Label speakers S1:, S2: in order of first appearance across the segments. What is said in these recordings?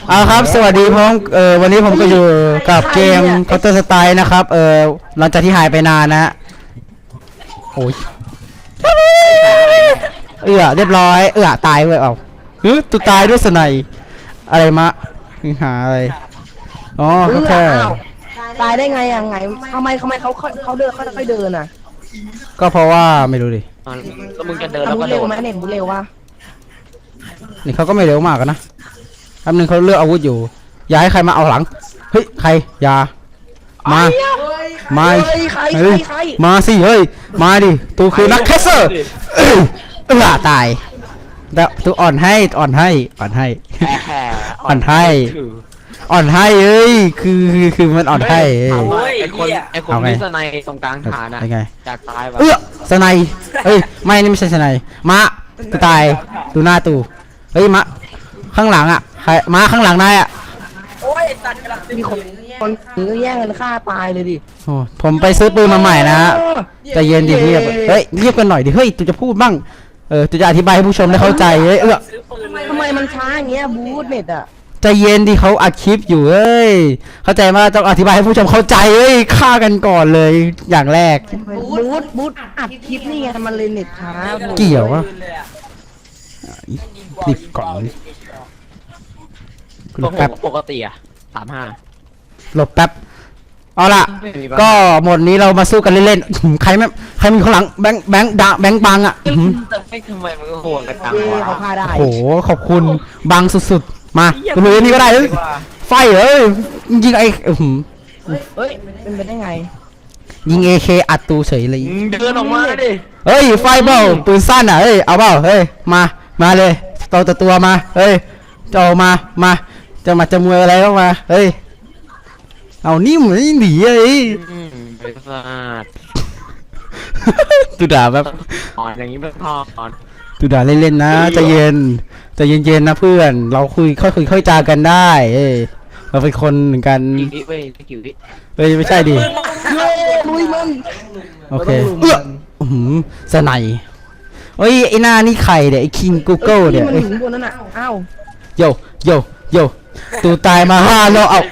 S1: เอาครับสวัสดีพร้อมวันนี้ผมก็อยู่กับเกม Counter Strike นะครับหลังจากที่หายไปนานนะฮะโอ้ยเรียบร้อยตายเว้ยตุตายด้วยสไนอะไรมะหาอะไรอ๋อเขาแค่
S2: ตายได้ไงอ่ะไงทำไมเขาเดินเขาค่อยเดินอ่ะ
S1: ก็เพราะว่าไม่รู้ดิ
S3: ก็มึงจะเดินแล้วก็
S2: เร็วไหมเน็ตเร็ววะ
S1: นี่เขาก็ไม่เร็วมากนะแป๊บนึงเขาเลือกอาวุธอยู่อย่าให้ใครมาเอาหลังเฮ้ยใครอย่ามามาสิเฮ้ยมาดิตูคือนักแคสเซอร์ตายแล้วตูอ่อนให้เอ้ยคือมันอ่อนให้
S3: ไอคนที่สไนตรงกลางฐานอะจากตายแบบ
S1: สไนไม่นี่ไม่ใช่สไนมาตูตายดูหน้าตูเฮ้ยมาข้างหลังอ่ะใครมาข้างหลังนายอ่ะ
S2: โอ้ยตัดกระดาษมีคนแย่งกันฆ่าตายเลยดิ
S1: โอ้ผมไปซื้อปืนมาใหม่นะฮะใจเย็นดิเงียบเฮ้ยเงียบกันหน่อยดิเฮ้ยตูจะพูดบ้างตูจะอธิบายให้ผู้ชมได้เข้าใจ
S2: ทำไมมันช้าอย่างเงี้ยบูทเน็ตอ่ะ
S1: ใจเย็นดิเขาอัดคลิปอยู่เอ้ยเข้าใจว่าต้องอธิบายให้ผู้ชมเข้าใจเอ้ยฆ่ากันก่อนเลยอย่างแรก
S2: บูทอัดคลิปนี่ไงมันเลยเน็ตช้า
S1: เกี่ยววะดิบก่อน
S3: แป๊บปกติอะ35
S1: หลบแป๊บเอาล่ะก็หมดนี้เรามาสู้กันเล่นๆใครมีข้างหลังแบงค์บังอ่ะ
S3: ไม่ทำไมมันโหดกันจังวะ
S2: เขาพาได้
S1: โอ้โหขอบคุณบังสุดๆมาคุณลุยนี่ก็ได้ไฟยิงเ
S2: ฮ้ยเป็นไปได้ไง
S1: ยิง AK อัดตูเฉยเลย
S3: เดินออกมาดิ
S1: เฮ้ยไฟเปล่าปืนสั้นอ่ะเฮ้ยเอาเปล่าเฮ้ยมาเลยตัวมาเฮ้ยจะจะมวยอะไรเข้ามาเฮ้ยเอานิ่มหนีไอ้
S3: บริษัท
S1: ตูด่าแบบ
S3: อย่างนี้เป็นพอ
S1: ตูด่าเล่นๆนะใจเย็นนะเพื่อนเราค่อยจากันได้เราเป็นคนเหมือนกัน
S3: เว้ย
S1: ไม่ใช่ดิ
S2: ลุยมัน
S1: โอเคสไนเฮ้ยไอ้หน้านี่ใครเนี่ยไอ้คิงกูเกิลเนี่ย
S2: มันถึงบนนั้นอ่ะอ้าว
S1: โยตูตายมา5แล้วเอา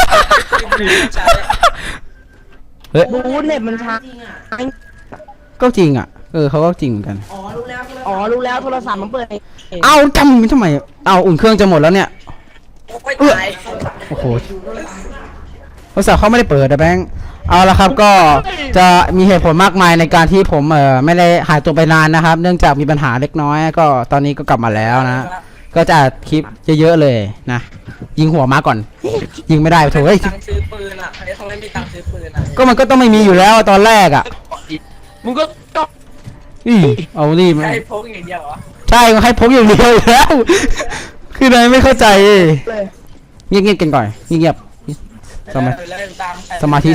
S2: เฮ้ยบูทเน็ตมันช้า
S1: ก็จริงอ่ะเขาก็จริงเหมือนกัน
S2: อ๋อรู้แล้วโทรศัพท์มันเปิด
S1: เอาทำไมเอาอุ่นเครื่องจะหมดแล้วเนี่ยโอ้โหโทรศัพท์เขาไม่ได้เปิดนะแบงค์เอาละครับก็จะมีเหตุผลมากมายในการที่ผมไม่ได้หายตัวไปนานนะครับเนื่องจากมีปัญหาเล็กน้อยก็ตอนนี้ก็กลับมาแล้วนะก็จะอัดคลิปเยอะๆเลยนะยิงหัวมาก่อนยิงไม่ได้โถ่
S4: ตังซื้อปืนอ่ะใครเขาไม่มีตังซื้อปืนอ่ะ
S1: ก็มันก็ต้องไม่มีอยู่แล้วตอนแรกอ่ะ
S3: มึงก็ต้อง
S1: เอานี่มา
S4: ให้พกอย่างเดียวเหรอ
S1: ใช่ให้พกอย่างเดียวแล้วคือนายไม่เข้าใจเงียบกันก่อนเงียบสมาธิ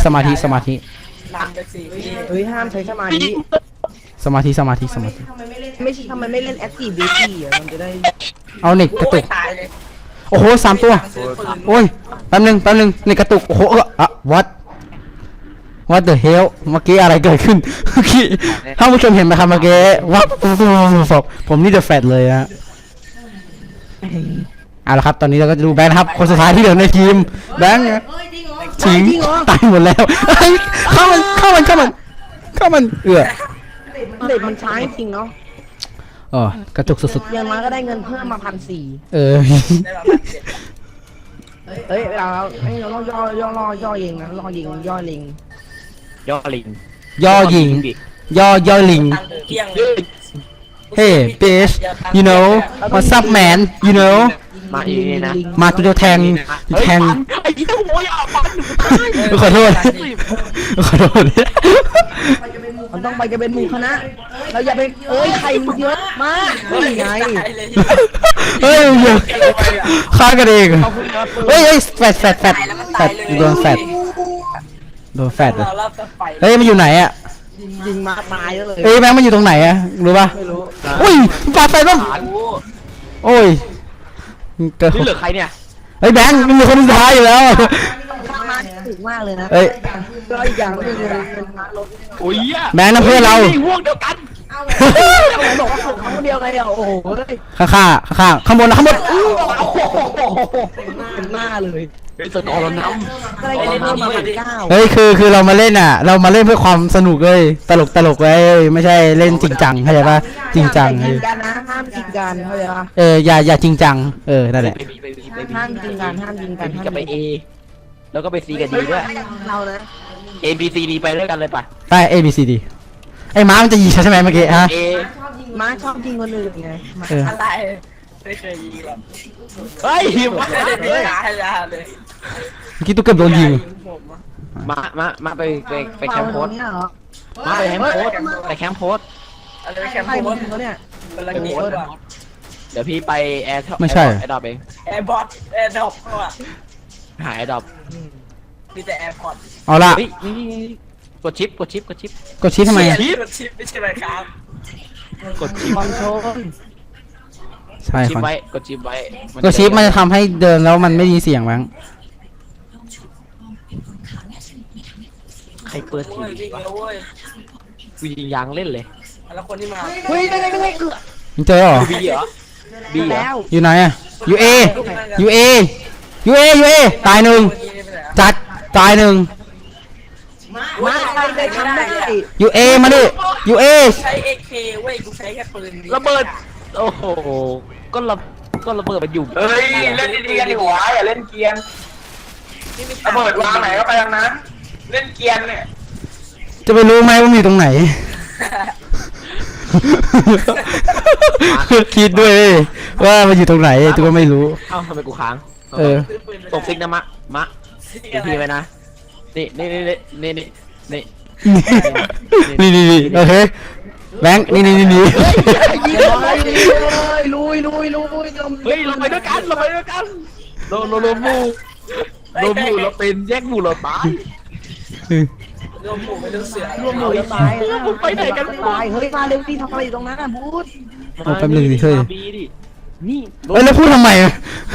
S2: เฮ้ยห้ามใช้สมาธิ
S1: ไม่ใช่
S2: ทำไมไม่เล่นแอคทีฟบีทีอ่ะมันจะได้
S1: เอาเน็ตกระตุกโอ้โห3ตัวโอ้ยแป๊บนึงเน็ตกระตุกโอ้โหwhat the hell เมื่อกี้อะไรเกิดขึ้นถ้าผู้ชมเห็นไหมครับเมื่อกี้วับผมนี่จะแฟดเลยนะเอาละครับตอนนี้เราก็จะดูแบงค์ครับคนสุดท้ายที่เหลือในทีมแบงค์ทิ้งตายหมดแล้วเข้ามัน
S2: เด็กมันช้าจริงเนาะ
S1: กระจุกสุด
S2: ๆยังมาก็ได้เงินเพิ่มมา1,400เฮ้ยเราต้องย่อยิงนะย่อลิง
S1: เฮ้bitch you know what's up man you know
S3: มาอีนี่นะ
S1: มาตัวแทง
S3: ไอ้ที่หัวอย่าปัน
S1: ขอโทษ
S2: มันต้องไปกันเป็นหมู่คณะเราอย่าไปใครมันเยอะมากนี่ไง
S1: ฆ่ากันเองแฟดโดนแฟดเลยเฮ้ยมันอยู่ไหนอ่ะ
S2: ยิงมาตายเลย
S1: แบงค์มันอยู่ตรงไหนอ่ะรู้ป่ะอุ้ยปาไฟบ้างโอ้ย
S3: นี่เหลือใครเนี่ย
S1: แบงค์มีคนสุดท้ายอยู่แล้ว
S2: ถึงมากเลยนะ
S1: ก็
S2: อีกอย่างนึงเงิน
S3: โอ้ย
S1: แบงค์นะเพื่อนเรา
S3: ห่วงเดียวกัน
S2: ทำไมบอกว่าผมคนเดียวไงโอ้โห
S1: ข้างข้างบนนะข้างบน
S2: เป็นหน้าเลย
S3: เป็นตัวเราน้
S2: ก็เลยได้เพิ่มมา9
S1: เฮ้ยคือเรามาเล่นอ่ะ เรามาเล่นเพื่อความสนุกเลยตลกเลยไม่ใช่เล่นจริงจังเข้าใจปะจริงจัง
S2: จริงกันนะห้ามจริงกันเข้าใจปะ
S1: อย่าจริงจังนั่นแหละ
S3: ำ
S2: ห้ามจริงกันห้ามจริงกัน
S3: กับไป A แล้วก็ไป C กับ D ด้วย
S2: เรานะ
S3: A B C D ไปด้วยกันเลยป่ะ
S1: ไป A B C D ไอ้ม้ามันจะยิงใช่ไหมเมื่อกี้ฮะ
S3: A
S2: ม้าชอบยิงคนอื่นไง
S4: อะไรไม่เคยยิงหรอก
S3: เฮ้ย
S4: ไม่ได้ยิงยาเลย
S1: เมื่อกี้ตุ๊กเกือบโดนยิง
S4: ผมอะ
S3: มาไปแคมป์โพส
S2: เนี่ยเหรอ
S3: มาไปแคมป์โพสไปแคมป์โพส
S4: อะไรแคม
S2: ใคร
S4: ป์โพ
S2: มึ
S4: ส
S2: งเขาเนี่ย
S4: เป็นละเกียดว่ะ
S3: เดี๋ยวพี่ไปแอร์
S1: ไม่ใช่
S3: แอร์ดรอปเอง
S4: แอร์บอทแอร์ดรอปว่ะ
S3: หาแอร์ดรอป
S4: มีแต่แอร์พอร์ต
S1: เอาละ
S3: เฮ้ยนี่กดชิป
S1: กดชี้ทำไม
S4: ชิปไม่ใช่ไหมครับ
S3: กดชิป
S2: คอนโทรล
S1: ใช่
S3: ชิ
S1: ค
S3: ป
S1: รับ
S3: ไว้กดชิปไว้
S1: กดชี้มันจะทำให้เดินแล้วมันไม่มีเสียงมั้ง
S3: ใครเปิดที
S4: โอ้ย
S3: วี
S4: วิ่ง
S3: วะ
S4: แล้วเว้ย
S3: กูยิงยางเล่นเลย
S4: แล้วคนที่มา
S2: เฮ้ยได้เกือบ
S1: มึงเจอเหรอ
S3: บีเหรอบีเหรอ
S2: แล้ว
S1: อยู่ไหนอะอยู่ A อยู่ A อยู่ A อยู่ A ตายหนึ่งจัดตายหนึ่ง
S2: มาใครได้ทำได้
S1: อยู่ A มาดิอยู่ A
S4: ใช้ AK เว้ยกูใช้แค่ปืน
S3: ระเบิดโอ้โหก็ระเบิดมันอยู่
S5: เฮ้ยเล่นดีๆกันดีกว่าอย่าเล่นเกียนระเบิดวางไหนก็ไปทางนั้นเล่นเกียนเนี่ย
S1: จะไปรู้ไหมว่ามีตรงไหน คิดด้วยว่ามันอยู่ตรงไหนตัวไม่รู้
S3: เอ้าทำไมกูค้าง
S1: เออ
S3: ตกซิกนะมะดูพี่ไปนะนี่
S1: นี่โอเคแบงค์นี่
S2: ยิงเลยลุย
S3: เฮ้ยเราไปด้วยกันเราหมู่เราเป็นแยกหมู่เราตาย
S4: รวมหมู่ไม่รู้เสือ
S2: รวมหมู่จะตายไปไหนกันตายเฮ้ยมาเร็วดิทำอะไรอยู่ตรงนั้นอ่ะบูธ
S1: เอาแป๊บนึงดิเฮ้ย
S3: บีดินี่
S1: เอ้ยแล้วพูดทำไมอะ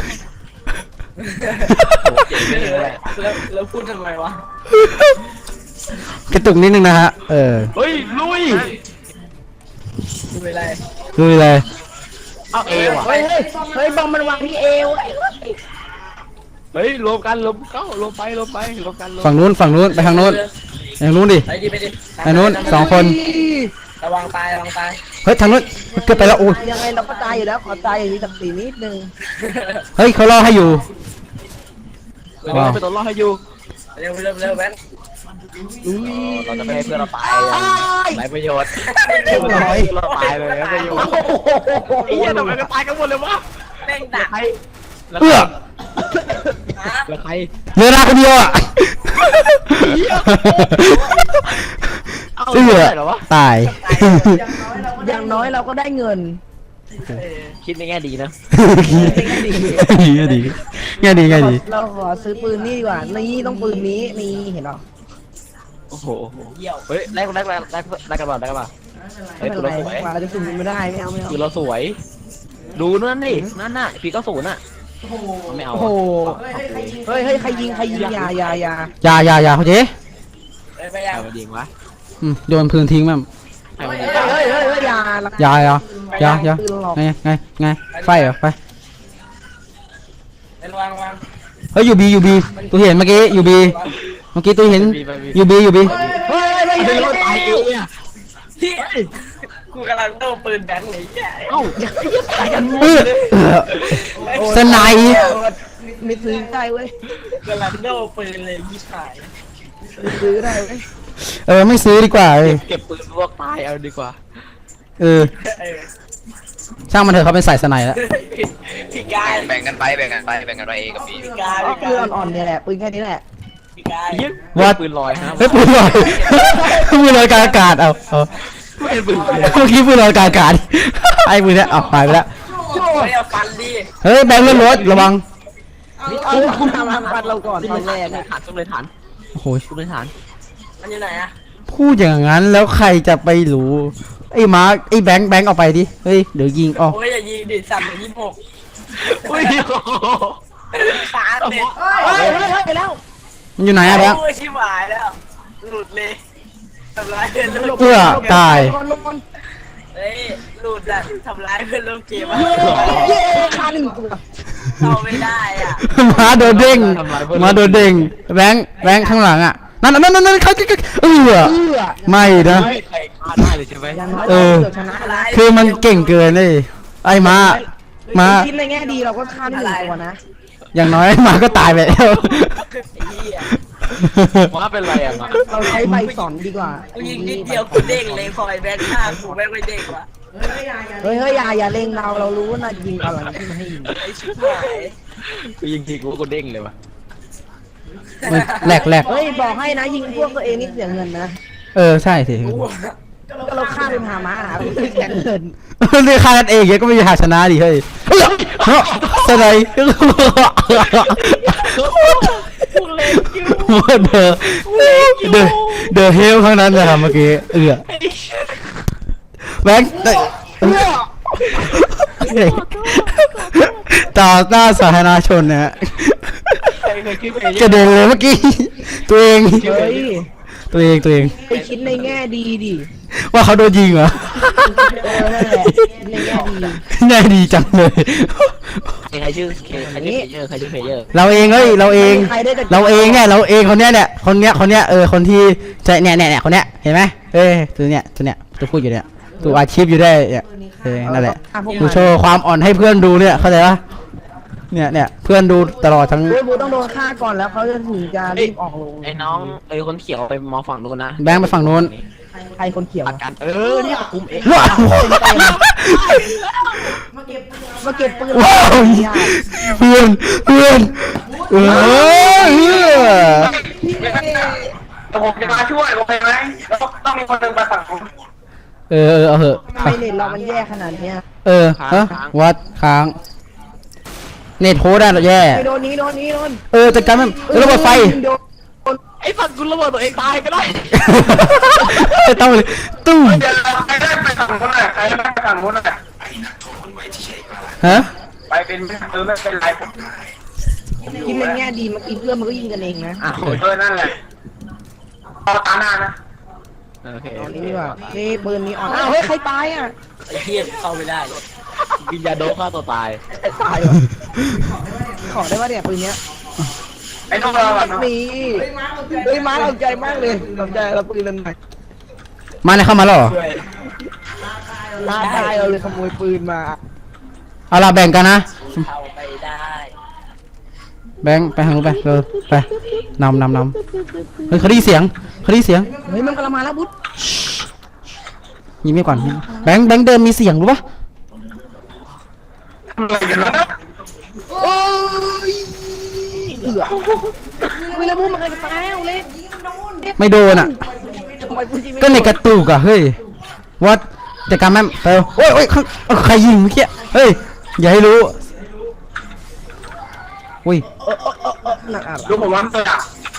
S4: แล้วพูดทำไมวะ
S1: กระตุกนิดนึงนะฮะ
S3: เฮ้ยลุย
S4: ดูไปเลย
S1: ดูเลย
S3: เอาเอว่ะ
S2: เฮ้ยบอมมันวางที่เอว
S3: เฮ้ยรวมกันรวมไปรวมกัน
S1: ฝั่งนู้นไปทางนู้นดิ
S4: ไปดิ
S1: ทางนู้นสองคน
S4: ระวังตาย
S1: เฮ้ยทางนู้นเกือบไปแล้วโอ้ย
S2: ยังไงเราก็ตายอยู่แล้วขอตายอย่างนี้สัก4นิดนึง
S1: เฮ้ยเขาล่อให้อยู่
S3: เราไปตัวรอดให้อยู่
S4: เร็วแบน
S3: เราจะไม่ให้เพื่อนเราตายไรประโยชน์ เราตายเลยไรประโยชน์ไอ้เหี้ยทำไมก็ตายกันหมดเลยวะ
S4: แม่งดัก
S3: ใคร
S1: เอื้อ
S3: แล้วใคร
S1: เหลือราคนเดียวอ่ะเอื้อตาย
S2: อย่างน้อยเราก็ได้เงิน
S3: คิดในแง่ดีนะ
S1: ง่ายดี
S2: เราขอซื้อปืนนี่ดีกว่านี่ต้องปืนนี้นี่เห็นหรอ
S3: โอ้โหเฮ้ยแลกกันบ้างเฮ้ย
S2: ไม่
S3: ตัว
S2: เป็นไร
S3: เราสวย
S2: เราจะซื้อไม่ได้ไม่เอา
S3: คือเราสวย ดูนั่นดินั่นน่ะพี่ก็ศูนย์น่ะไม่เอา
S2: โอ้โหเฮ้ยใครยิงยา
S1: อย่าเขาเจ๊
S4: ไป
S3: ใค
S4: ยั
S3: รง มายิงวะ
S1: โยนพื้นทิ้งมั้ง
S3: ใครมายิง
S2: เฮ้ยยา
S1: ไงไฟเหรอไป
S4: ระวัง
S1: เฮ้ยอยู่บีตัวเห็นเมื่อกี้อยู่บีเมื่อกี้ตัวเห็นอยู่บี
S2: เฮ้ย
S3: ไม่รู้ตายเองอ่ะ
S4: ที่กูกำลังโต้ปืนแบนเลยแย่
S3: เอ้าตายกันหมด
S1: สไนป์
S2: ไม่ซื้อได้เว้ย
S4: กำลังโต้ปืนเลยพี่ชาย
S2: ซื้อได้เว้ย
S1: ไม่ซื้อดีกว่า
S3: เก็บปืนพวกตายเอาดีกว่า
S1: ช่างมันเถอะเขาเป็นสายสไนป์แล้ว
S4: พี่กาย
S5: แบ่งกันไปเอกับบี
S4: พี่กาย
S2: ปืนอ่อนๆเนี่ยแหละปืนแค่นี้แหละ
S4: พี่กาย
S3: เยี่ยมปืนลอยฮะ
S1: เฮ้ยปืนลอยกลางอากาศเอา
S3: ไม่เป็นปืน
S1: เมื่อกี้ปืนลอยกลางอากาศไอ้ปืนเนี่ยเอาหายไปแล้ว
S4: ไม่เอาฟันดิ
S1: เฮ้ยแบงค์เลื่อนรถระวัง
S2: เอาคุณทำปัดเราก่อนตอนแรกเนี่ย
S3: ฐานซุ่มเลยฐาน
S1: โอ้โห
S3: ซุ่มเลยฐาน
S4: มันอยู่ไหนอะ
S1: พูดอย่างนั้นแล้วใครจะไปรู้ไอ้มาร์คไอ้แบงค์เอาไปดิเฮ้ยเดี๋ยวยิงอ๋อ
S4: โอ้ยอย่ายิงดิสั่นเลย26
S3: อุ้ย
S4: ขาเด็ด
S2: ไปแล้ว
S1: มันอยู่ไหนอะแบงค์
S4: โอ้ยชิบหายแล้วหลุดเลยทำร้ายเดิน
S1: เอื้อตาย
S4: เฮ้ยหลุดอะทำร้ายเพื่อนร่วมเกมอะ
S2: เย้ฆ่าหนึ่งตัว
S4: เข้าไม่ได้อ่ะ
S1: มาโดนเด้งมาโดนเด้งแบงค์ข้างหลังอ่ะนั่นเขาไม่นะ
S3: ไม่ใครฆ่าได้เลยใช่ไหม
S2: อย่างน้อย
S1: เอ
S2: เรา
S1: อ
S2: เกือบชนะแล้ว
S1: คือมันเก่งเกินเลยไอ้มา
S2: คิดในแง่ดีเราก็ฆ่าได้หนึ่งตัวนะ
S1: อย่างน้อยมาก็ตายไปแล้ว
S4: ไอ้เหี้ย
S3: ว่าเป็นไรอ่ะ
S2: เราใช้ใบสอนดีกว่า
S4: กูยิงนิดเดียวกูเด้งเลยพอไอ้แบงค์ฆ่ากูแม่งไม่เด้งว่ะ
S2: เฮ้ยอย่าเล็งเรารู้ว่าน่ายิงอะไรที่มันให้ยิง
S4: ไอ้ชิบหาย
S3: กูยิงทีกูเด้งเลยวะ
S1: แหลก
S2: เฮ้ยบอกให้นะยิงพวกตัวเองนี่เสียเงินนะ
S1: ใช่สิ
S2: ก็เราฆ่าเป็นหาม้าหาไม่เสียเงิน
S1: เรียกค่ากันเองก็ไม่มีหาชนะดิเฮ้ยสไลด์เดอะเฮลข้างนั้นนะครับเมื่อกี้แบงค์ต่อหน้าสาธารณชนนะฮะกระเด็นเลยเมื่อกี้ตัวเอง
S2: เฮ้ย
S1: ตัวเอง
S2: ไปคิดในแง่ดีดิ
S1: ว่าเขาโดนยิงเหรอ
S2: นั่นแหละคิดในแง่ดี
S1: ง่ายดีจังเลย
S3: ใครชื่อเพลเยอร์
S1: เราเองเราเองคนเนี้ยคนที่ใจเนี่ยคนเนี้ยเห็นไหมตัวพูดอยู่เนี่ยตัวอาชีพอยู่ได้เนี่ยนั่นแหละดูโชว์ความอ่อนให้เพื่อนดูเนี่ยเข้าใจปะเนี่ยเพื่อนดูตลอดทั้ง
S2: เฮ้ยบูต้องโดนฆ่าก่อนแล้วเขาจะถึงจะรีบออกลง
S3: ไอ้น้องคนเขียวไปมองฝั่งนู้นนะ
S1: แบงค์ไปฝั่งนู้น
S2: ใครคนเขียว
S3: อาการเนี่ยคุมเอง
S1: ว้าว
S2: มาเก็บปืน
S1: ว้าวเพื่อน
S5: แต่ผมจะมาช่วยโอเคไหมต้องมีคนหนึ่งไปฝั่งผม
S1: เอาเหอะ
S2: ทำไมเน็ตเรามันแย่ขนาดเนี้ย
S1: วัดค้างเน็ตโฮได้หรอแย่
S2: โดนนี้
S1: จัดการมันระเบิดไฟ
S3: ไอ้ฝั่งกูระเบิดตัวเองตายก็ได้
S1: ต้องเลยตุ้ม
S5: เดี๋ยวใครได้ไปฝั่งนู้นน่ะใครได้ไปฝั่งนู้นน่ะ
S1: ฮะ
S5: ไปเป็นไม่เป็นไรผม
S2: คิดในแง่ดีเมื่อกี้เพื่อนมันก็ยิงกันเองนะ
S5: นั่นแหละเอาตาหน้านะ
S3: โอเค
S2: ตอนนี้ดีกว่านี่ปืนนี้อ่อนอ้าวเฮ้ยใครตายอ่ะ
S4: ไอ้เหี้ยเข้าไม่ได้เลย
S3: กินยาโดปฆ่าตัวตาย
S2: ตายวะขอได้ว่าเนี่ยปืนเนี้ย
S5: ไอ้น้องเราอ่ะเนาะ
S2: นี่เฮ้ยม้าเอาใจมากเลยสนใจเราปืนมันหน่อย
S1: มาเนี่ยเข้ามาแล้วเหรอ
S2: ท้าทายเราเลยขโมยปืนมา
S1: เอาล่ะแบ่งกันนะ
S4: เข้าไม่ได้
S1: แบงค์ไปทางนู้นไปไปนำเฮ้ยเขาได้ยินเสียง
S2: เฮ้ยมันกำลังมาแล้วบุ๊ด
S1: ยิ้มไม่ก่อนแบงค์เดินมีเสียงรู้ปะ
S5: ทำอะไรกันนะ
S2: โอ้ยเอือวิลาบูมันเคยตายแล้วเลย
S1: ไม่โดนอ่ะ
S2: ทำไมพูดจริง
S1: ก็ในกระตุกอ่ะเฮ้ยวัดแต่การแม่เปล่าโอ้ยใครยิงเมื่อกี้เฮ้ยอย่าให้รู้อุ้ย
S2: หนักอ่ะ
S5: ดูผมว่าตัวอ่ะ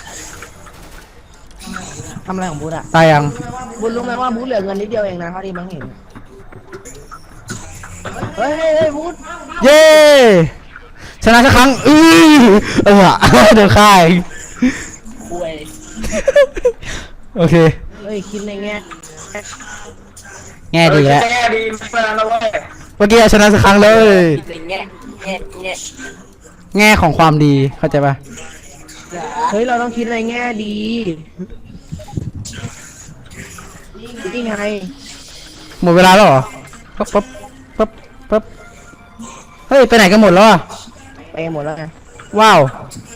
S2: ทำอะไรของบุ๊ดอ่ะ
S1: ตายยัง
S2: บุ๊ดรู้ไหมว่าบุ๊ดเหลือเงินนิดเดียวเองนะเท่าที่บังเห็นเฮ้ยบุ๊ด
S1: เย้ชนะสักครั้งเดินค่าย
S4: คุย
S1: โอเค
S2: เฮ้ยคิดในแง่
S1: แง่ดีแล้ว
S5: แง่ดีไม่เป็นไรแล้วเว้ย
S1: เมื่อกี้ชนะสักครั้งเลย
S4: เป็นแง่
S1: แง่ของความดีเข้าใจปะ
S2: เฮ้ยเราต้องคิดในแง่ดีนี่ไง
S1: หมดเวลาแล้วเหรอปั๊บเฮ้ยไปไหนกันหมดแล้วอ่ะ
S2: ไปหมดแล้วไง
S1: ว้าว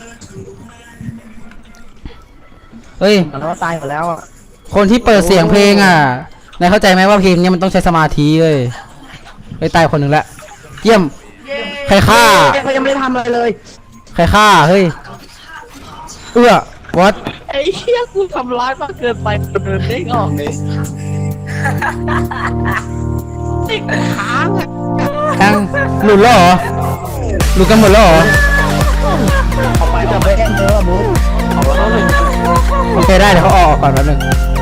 S1: เฮ้ย
S2: เราตายหมดแล้วอ่ะ
S1: คนที่เปิดเสียงเพลงอ่ะนายเข้าใจไหมว่าเพลงเนี้ยมันต้องใช้สมาธิเลยไปตายคนหนึ่งละเยี่ยมใครฆ่า
S2: เขายังไม่ได้ทำอะไรเลย
S1: ใครฆ่าเฮ้ยวัด
S3: ไอ้เหี้ยกูทำร้ายมากเกินไปเดินเด้งออกเลยติดค้างอ่ะ
S1: แทงหลุดแล้วเหรอหลุดกันหมดแล้วเหรอ
S2: ออกไปจะไปแย่งเธอบุ๊ด
S3: เอาแล้วเลย
S1: โอเคได้เดี๋ยวเขาออกก่อนแป๊บนึง